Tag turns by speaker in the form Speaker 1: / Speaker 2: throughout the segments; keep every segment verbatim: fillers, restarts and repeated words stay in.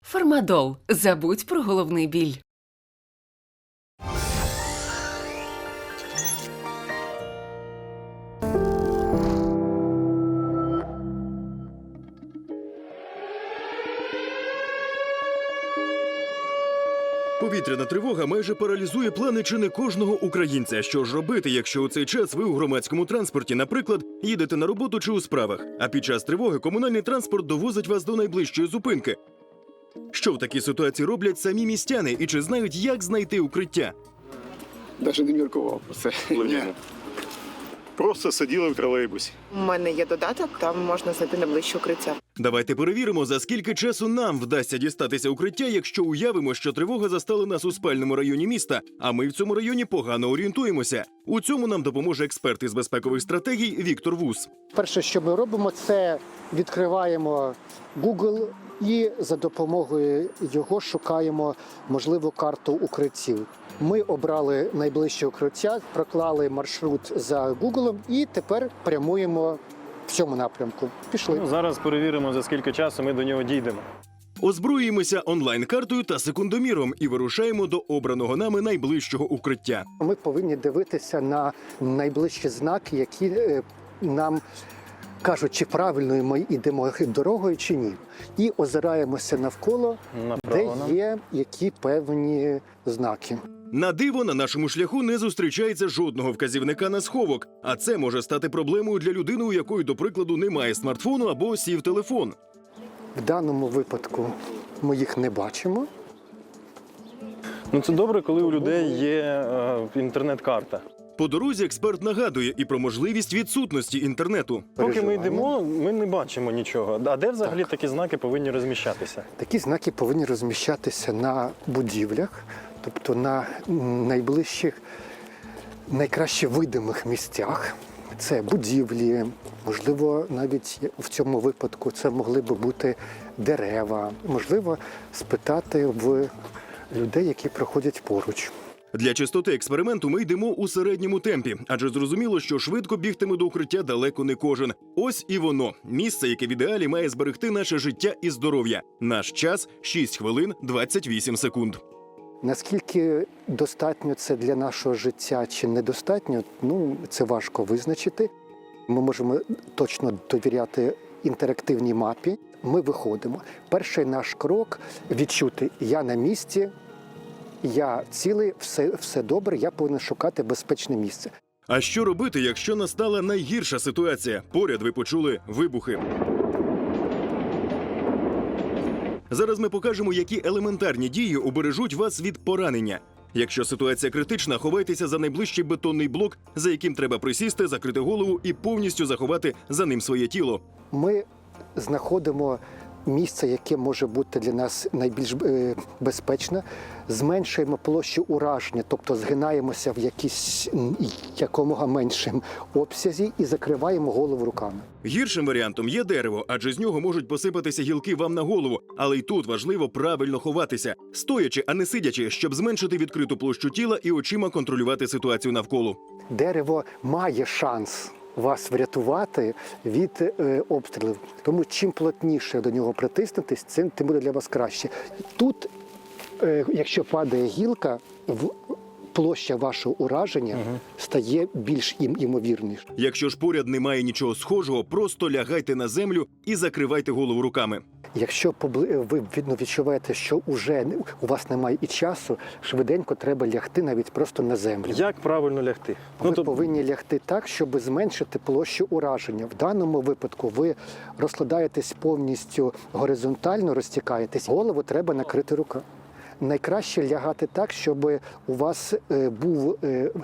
Speaker 1: Фармадол. Забудь про головний біль.
Speaker 2: Повітряна тривога майже паралізує плани чи не кожного українця. Що ж робити, якщо у цей час ви у громадському транспорті, наприклад, їдете на роботу чи у справах, а під час тривоги комунальний транспорт довозить вас до найближчої зупинки? Що в такій ситуації роблять самі містяни і чи знають, як знайти укриття?
Speaker 3: Навіть не міркував про це.
Speaker 4: Логічно. Просто сиділи в тролейбусі.
Speaker 5: У мене є додаток, там можна знайти найближче укриття.
Speaker 2: Давайте перевіримо, за скільки часу нам вдасться дістатися укриття, якщо уявимо, що тривога застала нас у спальному районі міста, а ми в цьому районі погано орієнтуємося. У цьому нам допоможе експерт із безпекових стратегій Віктор Вус.
Speaker 6: Перше, що ми робимо, це відкриваємо Google і за допомогою його шукаємо можливу карту укриттів. Ми обрали найближче укриття, проклали маршрут за Google і тепер прямуємо в цьому напрямку. Пішли.
Speaker 7: Ну, зараз перевіримо, за скільки часу ми до нього дійдемо.
Speaker 2: Озброїмося онлайн-картою та секундоміром і вирушаємо до обраного нами найближчого укриття.
Speaker 6: Ми повинні дивитися на найближчі знаки, які е, нам кажуть, чи правильно ми йдемо дорогою, чи ні. І озираємося навколо,
Speaker 7: Направо
Speaker 6: де
Speaker 7: нам.
Speaker 6: є які певні знаки.
Speaker 2: На диво, на нашому шляху не зустрічається жодного вказівника на сховок, а це може стати проблемою для людини, у якої, до прикладу, немає смартфону або сів телефон.
Speaker 6: В даному випадку ми їх не бачимо.
Speaker 7: Ну це добре, коли у людей є е, інтернет-карта.
Speaker 2: По дорозі експерт нагадує і про можливість відсутності інтернету.
Speaker 7: Поки ми
Speaker 6: Переживання.
Speaker 7: йдемо, ми не бачимо нічого. А де взагалі такі знаки повинні розміщатися?
Speaker 6: Такі знаки повинні розміщатися на будівлях, тобто на найближчих, найкраще видимих місцях. Це будівлі, можливо, навіть в цьому випадку це могли би бути дерева. Можливо, спитати в людей, які проходять поруч.
Speaker 2: Для чистоти експерименту ми йдемо у середньому темпі, адже зрозуміло, що швидко бігтиме до укриття далеко не кожен. Ось і воно – місце, яке в ідеалі має зберегти наше життя і здоров'я. Наш час – шість хвилин двадцять вісім секунд.
Speaker 6: Наскільки достатньо це для нашого життя чи недостатньо, ну, це важко визначити. Ми можемо точно довіряти інтерактивній мапі. Ми виходимо. Перший наш крок – відчути «я на місці», «я цілий», все, все добре, я повинен шукати безпечне місце.
Speaker 2: А що робити, якщо настала найгірша ситуація? Поряд ви почули вибухи. Зараз ми покажемо, які елементарні дії убережуть вас від поранення. Якщо ситуація критична, ховайтеся за найближчий бетонний блок, за яким треба присісти, закрити голову і повністю заховати за ним своє тіло.
Speaker 6: Ми знаходимо місце, яке може бути для нас найбільш е, безпечне, зменшуємо площу ураження, тобто згинаємося в якійсь м, якомога меншим обсязі і закриваємо голову руками.
Speaker 2: Гіршим варіантом є дерево, адже з нього можуть посипатися гілки вам на голову. Але й тут важливо правильно ховатися, стоячи, а не сидячи, щоб зменшити відкриту площу тіла і очима контролювати ситуацію навколо.
Speaker 6: Дерево має шанс вас врятувати від е, обстрілів. Тому чим плотніше до нього притиснутись, цим тим буде для вас краще. Тут, е, якщо падає гілка, в площа вашого ураження угу. стає більш ім імовірніше.
Speaker 2: Якщо ж поряд немає нічого схожого, просто лягайте на землю і закривайте голову руками.
Speaker 6: Якщо ви відчуваєте, що вже у вас немає і часу, швиденько треба лягти навіть просто на землю.
Speaker 7: Як правильно лягти?
Speaker 6: Ви
Speaker 7: Ну, то...
Speaker 6: повинні лягти так, щоб зменшити площу ураження. В даному випадку ви розкладаєтесь повністю горизонтально, розтікаєтесь. Голову треба накрити руками. Найкраще лягати так, щоб у вас був,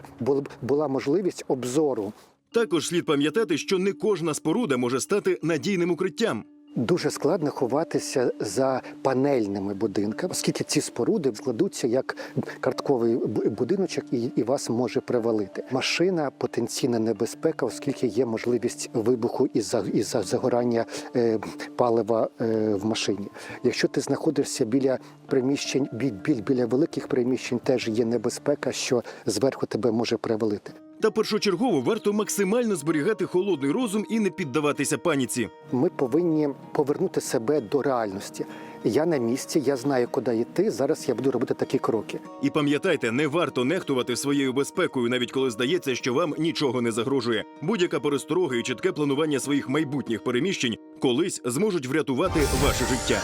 Speaker 6: була можливість обзору.
Speaker 2: Також слід пам'ятати, що не кожна споруда може стати надійним укриттям.
Speaker 6: Дуже складно ховатися за панельними будинками, оскільки ці споруди складуться як картковий будиночок і, і вас може привалити. Машина – потенційна небезпека, оскільки є можливість вибуху із-за із-за загорання е, палива е, в машині. Якщо ти знаходишся біля приміщень, біль, біль, біля великих приміщень, теж є небезпека, що зверху тебе може привалити.
Speaker 2: Та першочергово варто максимально зберігати холодний розум і не піддаватися паніці.
Speaker 6: Ми повинні повернути себе до реальності. Я на місці, я знаю, куди йти. Зараз я буду робити такі кроки.
Speaker 2: І пам'ятайте, не варто нехтувати своєю безпекою, навіть коли здається, що вам нічого не загрожує. Будь-яка пересторога і чітке планування своїх майбутніх переміщень колись зможуть врятувати ваше життя.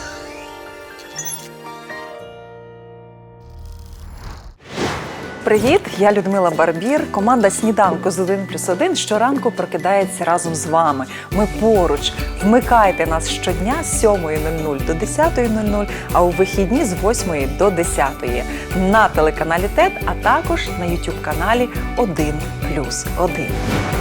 Speaker 8: Привіт, я Людмила Барбір. Команда «Сніданку з один плюс один» щоранку прокидається разом з вами. Ми поруч. Вмикайте нас щодня з сьомої нуль нуль до десятої нуль нуль, а у вихідні з восьмої до десятої на телеканалі ТЕТ, а також на ютуб-каналі один плюс один.